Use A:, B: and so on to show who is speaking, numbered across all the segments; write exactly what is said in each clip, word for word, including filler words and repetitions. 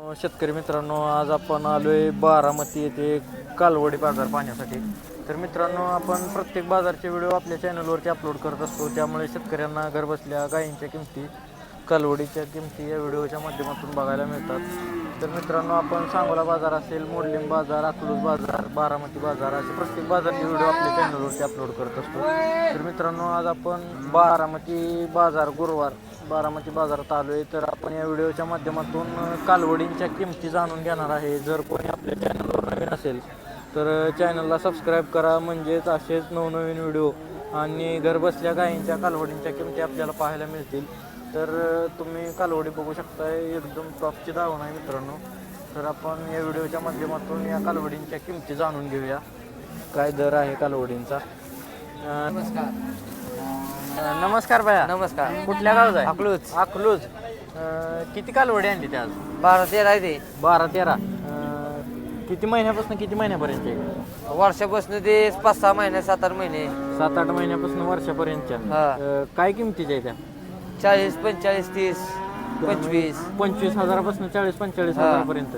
A: शेतकरी मित्रांनो, आज आपण आलोय बारामती येथे कालवडी बाजार पाहण्यासाठी. तर मित्रांनो, आपण प्रत्येक बाजारचे व्हिडिओ आपल्या चॅनलवरती अपलोड करत असतो, त्यामुळे शेतकऱ्यांना घरबसल्या गायींच्या किमती, कालवडीच्या किमती या व्हिडिओच्या माध्यमातून बघायला मिळतात. तर मित्रांनो, आपण सांगोला बाजार असेल, मोडलिंग बाजार, अकलूज बाजार, बारामती बाजार असे प्रत्येक बाजारचे व्हिडिओ आपल्या चॅनलवरती अपलोड करत असतो. तर मित्रांनो, आज आपण बारामती बाजार गुरुवार बारामती बाजारात आलो आहे. तर आपण या व्हिडिओच्या माध्यमातून कालवडींच्या किमती जाणून घेणार आहे. जर कोणी आपल्या चॅनलवर नवीन असेल तर चॅनलला सबस्क्राईब करा, म्हणजेच असेच नवनवीन व्हिडिओ आणि घरबसल्या गायींच्या कालवडींच्या किमती आपल्याला पाहायला मिळतील. तर तुम्ही कालवडी बघू शकताय, एकदम टॉपची धावण आहे मित्रांनो. तर आपण या व्हिडिओच्या माध्यमातून या कालवडींच्या किमती जाणून घेऊया, काय दर आहे कालवडींचा.
B: नमस्कार.
A: नमस्कार भैया.
B: नमस्कार.
A: कुठल्या गावचा आहे?
B: अकलूज.
A: अकलूज. किती कालवडी आणली ते आज?
B: बारा तेरा आहे ते.
A: बारा तेरा. किती महिन्यापासून किती महिन्यापर्यंत आहे?
B: वर्षापासून ते पाच सहा महिने सात आठ महिने
A: सात आठ महिन्यापासून वर्षापर्यंतच्या.
B: हा.
A: काय किमतीच्या आहे त्या?
B: चाळीस पंचेचाळीस तीस पंचवीस
A: पंचवीस हजारापासून चाळीस पंचेचाळीस हजारापर्यंत.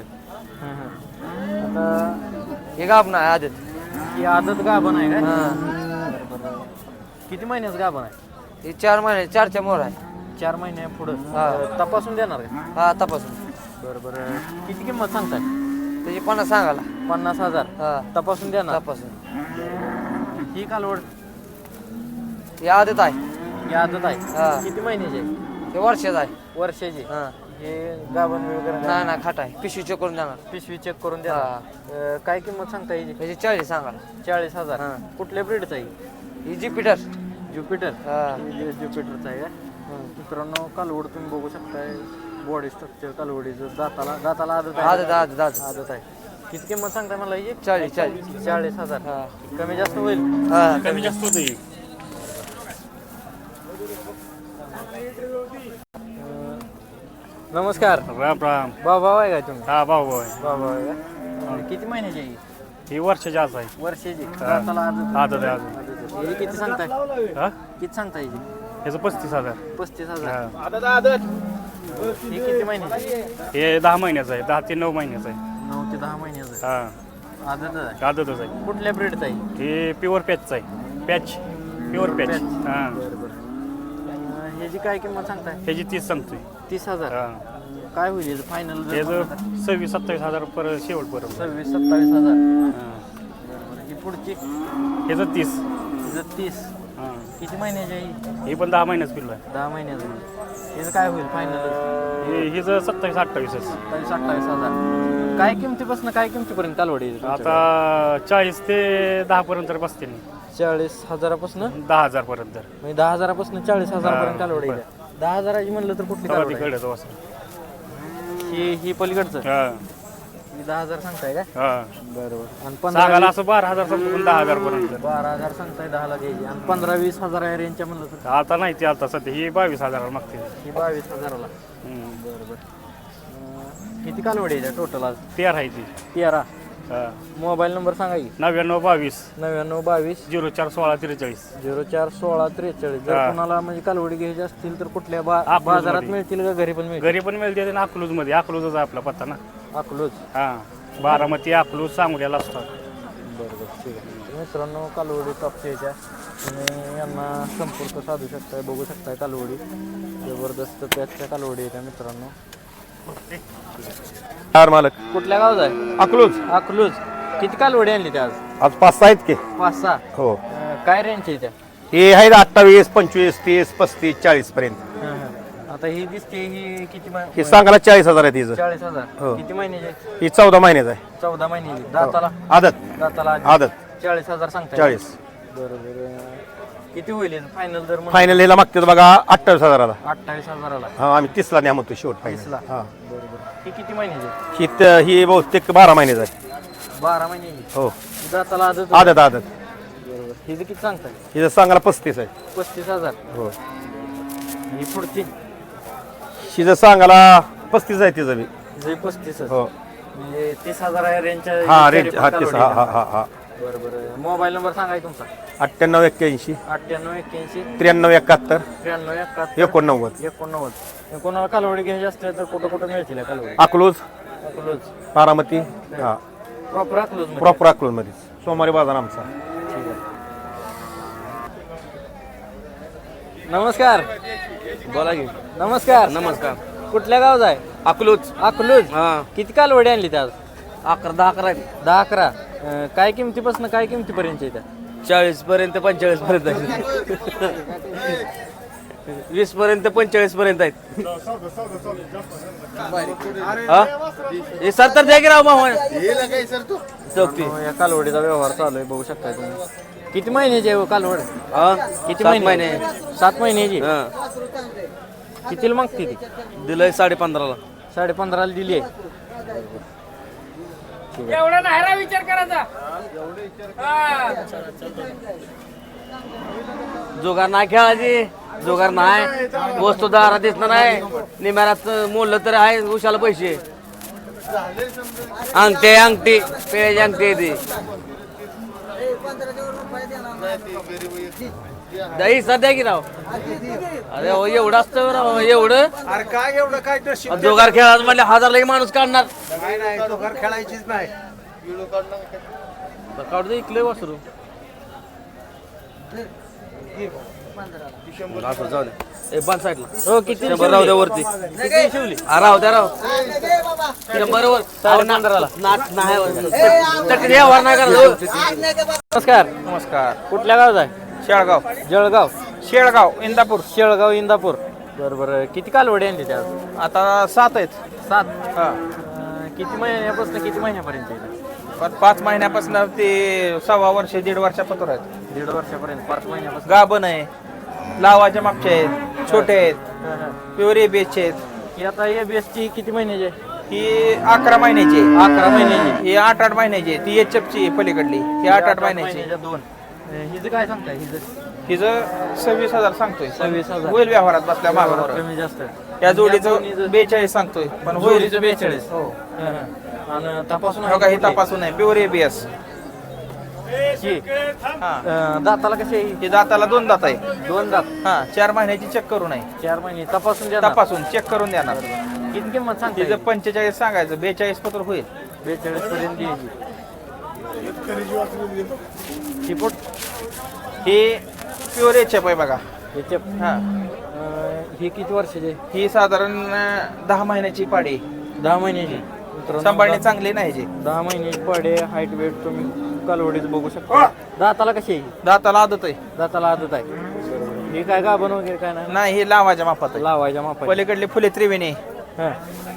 A: आता
B: हे गाभ नाही आदत.
A: ही आदत गाभण आहे का?
B: हा.
A: किती महिन्याचं गाभण आहे?
B: हे चार महिने चारच्या मोर आहे.
A: चार महिने पुढं
B: हा.
A: तपासून देणार का?
B: हा तपासून.
A: बरं बरं. किती किंमत सांगताय?
B: त्याची पन्नास सांगाला.
A: पन्नास हजार.
B: हा
A: तपासून देणार.
B: तपासून.
A: ही कालवड
B: हे आदत आहे.
A: ही आदत आहे.
B: हा.
A: किती महिन्याची आहे?
B: हे वर्षाचं आहे.
A: वर्षाची.
B: हा.
A: हे गाभण वगैरे
B: नाही नाही खाट आहे. पिशवी चेक करून देणार.
A: पिशवी चेक करून द्या. अं, काय किंमत सांगता येईल?
B: त्याची चाळीस सांगाला.
A: चाळीस हजार.
B: हा.
A: कुठल्या ब्रीडचा आहे?
B: ही ज्युपिटर.
A: ज्युपिटर.
B: हा.
A: ज्युपिटरचा आहे का? मित्रांनो, कालवड तुम्ही बघू शकताय, बॉडी स्ट्रक्चर कालवडीचं. दाताला दाताला आदत आहे.
B: आदत आदत आदत.
A: आदत आहे. किती किंमत सांगताय मला? ही
B: चाळीस चाळीस.
A: चाळीस हजार.
B: हा.
A: कमी जास्त होईल?
B: हा
C: कमी जास्त होते.
A: नमस्कार.
C: राम राम.
A: बाबा आहे का तुम्ही?
C: हा भाऊ भाऊ आहे.
A: बाबा आहे का? किती महिन्याची आहे ही?
C: ही वर्षाची आज आहे.
A: वर्षाची. दाताला आदत.
C: आदत आहे अजून.
A: आदत आहे. ही किती सांगताय?
C: हा
A: किती सांगताय ही?
C: ह्याचं पस्तीस हजार.
A: पस्तीस हजार.
C: हा.
A: ही किती महिन्याची?
C: हे दहा महिन्याचं आहे. दहा ते नऊ महिन्याचं आहे.
A: नऊ ते दहा महिन्याचं.
C: हा
A: आदत आहे.
C: आदतच आहे.
A: कुठल्या ब्रीडचा आहे?
C: हे प्युअर पॅचचं आहे. Patch pure patch.
A: पॅच.
C: हा
A: बरं बरं. ह्याची काय किंमत सांगताय?
C: ह्याची तीस सांगतोय.
A: तीस हजार.
C: हा
A: काय होईल फायनल?
C: ह्याचं सव्वीस सत्तावीस हजार पर शेवटपर्यंत.
A: सव्वीस सत्तावीस हजार.
C: हा.
A: ही पुढची
C: ह्याचं तीस.
A: हिचं तीस.
C: हा.
A: किती महिन्याची आहे ही?
C: हे पण दहा महिन्याचं पिल्लू आहे.
A: दहा महिन्याचं. हिचं काय होईल फायनल?
C: हे हिचं सत्तावीस अठ्ठावीसच.
A: सत्तावीस अठ्ठावीस हजार. काय किमतीपासून काय किमतीपर्यंत कालवडी आहे तुमच्याकडे?
C: आता चाळीस ते दहा पर्यंत बसते.
A: चाळीस हजारापासून
C: दहा हजार पर्यंत.
A: म्हणजे दहा हजारापासून चाळीस हजारापर्यंत कालवडी आहे. दहा हजाराची म्हणलं तर कुठली कालवडी आहे?
C: तिकडे असं.
A: ही ही पलीकडचं.
C: हा
A: ही दहा हजार सांगताय का?
C: हा.
A: बरोबर. आणि
C: सांगायला
A: पंधरा
C: असं बारा हजार सांगतो पण दहा हजार पर्यंत.
A: बारा हजार सांगताय दहाला द्यायची. आणि पंधरा वीस हजार या रेंजच्या म्हणलं तर
C: आता नाही ते आता सध्या ही बावीस हजाराला मागते.
A: ही बावीस हजाराला.
C: हम्म.
A: बरोबर. किती कालवडी आहे टोटल आज?
C: तेरा आहे ती.
A: तेरा.
C: हा.
A: मोबाईल नंबर सांगा की.
C: नव्याण्णव बावीस
A: नव्याण्णव बावीस
C: झिरो चार सोळा त्रेचाळीस.
A: झिरो चार सोळा त्रेचाळीस. जर
C: हा.
A: कोणाला म्हणजे कालवडी घ्यायची असतील तर कुठल्या बा
C: अकलूजमध्ये.
A: बाजारात मिळतील का घरी पण मिळतील?
C: घरी पण मिळते आणि अकलूज मध्ये. अकलूजच आहे आपला पत्ता ना.
A: अकलूज.
C: हा बारामती अकलूज सांगोल्याला असतात.
A: बरोबर. ठीक आहे. तर मित्रांनो, कालवडी टॉपच्या याच्या तुम्ही यांना संपर्क साधू शकताय, बघू शकताय कालवडी. जबरदस्त त्याच्या कालवडी आहेत मित्रांनो.
D: चार मालक
A: कुठल्या गावात आहे?
D: अकलूज.
A: अकलूज. किती कालवडी आणली त्या आज?
D: आज पाच सहा आहेत की.
A: पाच सहा.
D: हो.
A: अं, काय रेंज आहे त्या?
D: हे आहेत अठ्ठावीस पंचवीस तीस पस्तीस चाळीस पर्यंत.
A: हं, हं. आता ही दिसते ही किती
D: हे
A: महिने?
D: सांगायला चाळीस हजार आहे तिचं.
A: चाळीस हजार.
D: हो.
A: किती महिन्याची आहे?
D: ही चौदा महिन्याचं आहे.
A: चौदा महिन्याची. दाताला
D: आदत
A: दाताला आधी.
D: आदत
A: चाळीस हजार सांगताय.
D: चाळीस.
A: बरोबर. अं, किती होईल फायनल दर?
D: फायनल ह्याला मागते बघा अठ्ठावीस हजाराला.
A: अठ्ठावीस हजाराला.
D: हा आम्ही तीसला न्या म्हणतो शेवट
A: तीसला.
D: फायनल. हा
A: बरोबर. ही किती महिन्याची आहे?
D: ही त- ही बहुतेक बारा महिन्याचं आहे.
A: बारा महिन्याची.
D: हो.
A: दाताला आदत.
D: आदत आदत.
A: बरोबर. हिचं किती सांगताय?
D: हिचं सांगायला पस्तीस आहे.
A: पस्तीस हजार.
D: हो.
A: ही पुढची.
D: हिचं सांगायला पस्तीस आहे तिचं बी.
A: हिचं पस्तीस.
D: हो.
A: म्हणजे तीस हजार या रेंजच्या.
D: हा रेंज हा तीस हा हा हा हा.
A: बरोबर. मोबाईल नंबर सांगाय तुमचा?
D: अठ्ठ्याण्णव एक्क्याऐंशी
A: अठ्ठ्याण्णव एक्क्याऐंशी
D: त्र्याण्णव एकाहत्तर
A: त्र्याण्णव एकाहत्तर
D: एकोणनव्वद.
A: एकोणनव्वद. कोणाला कालवडी घ्यायची असल्या तर कुठं कुठं मिळतील या कालवडी?
D: अकलूज
A: अकलूज
D: बारामती हा
A: प्रॉपर अकलूज
D: प्रॉपर अकलूजमध्येच सोमवारी बाजार आमचा.
A: नमस्कार.
B: बोला की.
A: नमस्कार.
B: नमस्कार.
A: कुठल्या गावचा आहे?
B: अकलूज.
A: अकलूज.
B: हा
A: किती कालवडी आणली त्या आज?
B: अकरा दहा अकरा
A: दहा अकरा. अं, काय किमतीपासून काय किमतीपर्यंत येत्या?
B: चाळीस पर्यंत पंचेचाळीस पर्यंत आहेत. वीस पर्यंत पंचेचाळीस पर्यंत आहेत. हा? हे सत्तर द्या की राव मामा चौकती.
A: या कालवडीचा व्यवहार चालू आहे, बघू शकता तुम्ही. किती महिन्याची आहे हो कालवड?
B: हा
A: किती
B: सात
A: महिने?
B: महिने
A: सात महिन्याची.
B: हा
A: कितीला मागते ती?
B: दिलंय साडे पंधराला.
A: साडे पंधराला दिली आहे.
E: एवढा नाही रा विचार करायचा.
B: जुगार नाही खेळायची. जुगार नाही. वस्तू दारा दिसणार नाही. निम्यारात मोडलं तर आहे उशाला पैसे. अंगठी अंगठी पेज अंगठी आहे ती. दही सध्या की राव. अरे हो एवढं असतं राव एवढं.
F: अरे काय एवढं काय नशीब
B: जोगार खेळायचं म्हणजे हजार लगे माणूस काढणार.
F: काय नाही तो घर खेळायचीच नाही.
B: काढू दे इकले वासरू. असं जाऊ दे. ए बंद साईडला.
A: हो किती
B: शंभर राहू द्या वरती.
A: किती शिवली?
B: हा, राहू द्या राव. शंभर वर
A: साडे पंधराला.
B: नाच नाही चटणी व्यवहार नाही करत.
A: नमस्कार.
F: नमस्कार.
A: कुठल्या गावचा आहे?
F: शेळगाव.
A: जळगाव.
F: शेळगाव इंदापूर.
A: शेळगाव इंदापूर. बरं बरं. किती कालवडी आणली त्या आज?
F: आता सात आहेत.
A: सात.
F: हा
A: अं, किती महिन्यापासून किती महिन्यापर्यंत येईल?
F: पण पाच महिन्यापासून ते सव्वा वर्ष दीड वर्षापत्र आहेत.
A: दीड वर्षापर्यंत. पाच महिन्यापासून.
F: गाभण आहे. लावाच्या मागचे आहेत. छोटे आहेत.
A: हां, हां.
F: प्युअर एबीएसचे आहेत.
A: ही आता ए बी एसची किती महिन्याची आहे?
F: ही अकरा महिन्याची आहे.
A: अकरा महिन्याची.
F: ही आठ आठ महिन्याची आहे. ती एच एफ ची पलीकडली ही आठ आठ महिन्याची आहे.
A: दोन. अं, हिचं काय सांगताय? हिचं
F: हिचं सव्वीस हजार सांगतोय.
A: सव्वीस हजार.
F: होईल व्यवहारात बसल्या मागावर.
A: कमी जास्त.
F: या जोडीचं बेचाळीस सांगतोय पण होईल.
A: जोडीचं बेचाळीस.
F: हो.
A: हां, हां. आणि तपासून
F: हो का ही तपासून आहे प्युअर एबीएस.
A: ही.
F: हा
A: अं, दाताला कशी आहे?
F: हे दाताला दोन दात आहे.
A: दोन दात.
F: हा चार महिन्याची चेक करून आहे.
A: चार महिने तपासून द्या.
F: तपासून चेक करून देणार.
A: किती किंमत सांगते?
F: तिचं पंचेचाळीस सांगायचं बेचाळीस पत्र होईल.
A: बेचाळीस पर्यंत द्यायची. चिपोट.
F: ही प्युअर एच एफ आहे बघा.
A: याच्या
F: हा
A: ही किती वर्षाची आहे?
F: ही साधारण अं, दहा महिन्याची पाडी.
A: दहा महिन्याची. मित्रांनो,
F: सांभाळणी
A: दहा-
F: चांगली नाही जी.
A: दहा महिन्याची पाडे. हाईट वेट तुम्ही कालवडीच बघू शकता. दाताला कशी आहे?
F: दाताला आदत आहे.
A: दाताला आदत आहे. हे काय गाभण वगैरे काय नाही?
F: नाही हे लावाच्या मापात आहे.
A: लावायच्या मापा.
F: पलीकडली फुले त्रिवेणी
A: हां.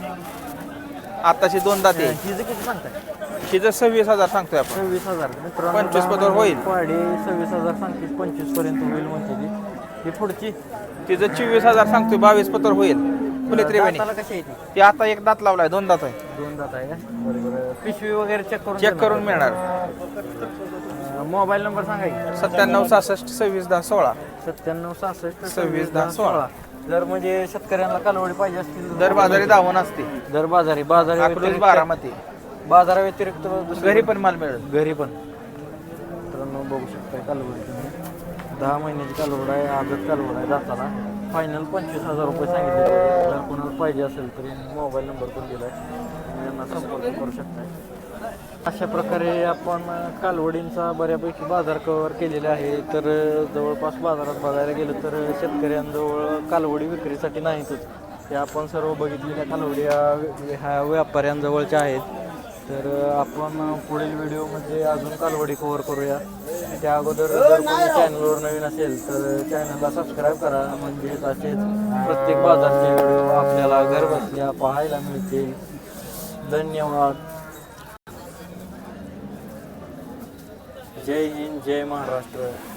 F: आताशी दोन दाते.
A: हिचं किती सांगताय?
F: हिचं सव्वीस हजार सांगतोय आपण.
A: सव्वीस हजार. मित्रांनो,
F: पंचवीस
A: दहा
F: पदर होईल.
A: पाडे सव्वीस हजार सांगते. पंचवीस पर्यंत होईल म्हणते ती. ही पुढची.
F: तिचं चोवीस हजार सांगतोय बावीस पत्र होईल. फुले त्रिवेणी
A: दाताला कशी आहे ती?
F: ती आता एक दात लावलाय दोन दात आहे.
A: दोन दात आहे का? बरोबर. पिशवी वगैरे चेक करून
F: चेक करून मिळणार.
A: मोबाईल नंबर सांगा की.
F: सत्त्याण्णव सहासष्ट सव्वीस दहा सोळा.
A: सत्त्याण्णव सहासष्ट
F: सव्वीस दहा सोळा.
A: जर म्हणजे शेतकऱ्यांना कालवडी पाहिजे असतील
F: दर बाजारी दावण असते.
A: दर बाजारी बाजारी
F: अकलूज
A: व्यतिरिक्त-
F: बारामती.
A: बाजारा व्यतिरिक्त दुसरी-
F: घरी पण माल मिळेल.
A: घरी पण. मित्रांनो बघू शकताय कालवडी तुम्ही. दहा महिन्याची कालवड आहे. आजच कालवड आहे. दाताला फायनल पंचवीस हजार रुपये सांगितले. जर कोणाला पाहिजे असेल तरी मोबाईल नंबर पण दिलाय. तुम्ही यांना संपर्क करू शकताय. अशा प्रकारे आपण कालवडींचा बऱ्यापैकी बाजार कव्हर केलेला आहे. तर जवळपास बाजारात बघायला गेलं तर शेतकऱ्यांजवळ कालवडी विक्रीसाठी नाहीतच. ते आपण सर्व बघितलेल्या कालवडी ह्या ह्या व्यापाऱ्यांजवळच्या आहेत. तर आपण पुढील व्हिडिओमध्ये अजून कालवडी कव्हर करूया. त्या अगोदर जर कोणी चॅनलवर नवीन असेल तर चॅनलला सबस्क्राईब करा. म्हणजेच असेच प्रत्येक बाजारचे व्हिडिओ आपल्याला घरबसल्या पाहायला मिळतील. धन्यवाद. जय हिंद, जय महाराष्ट्र.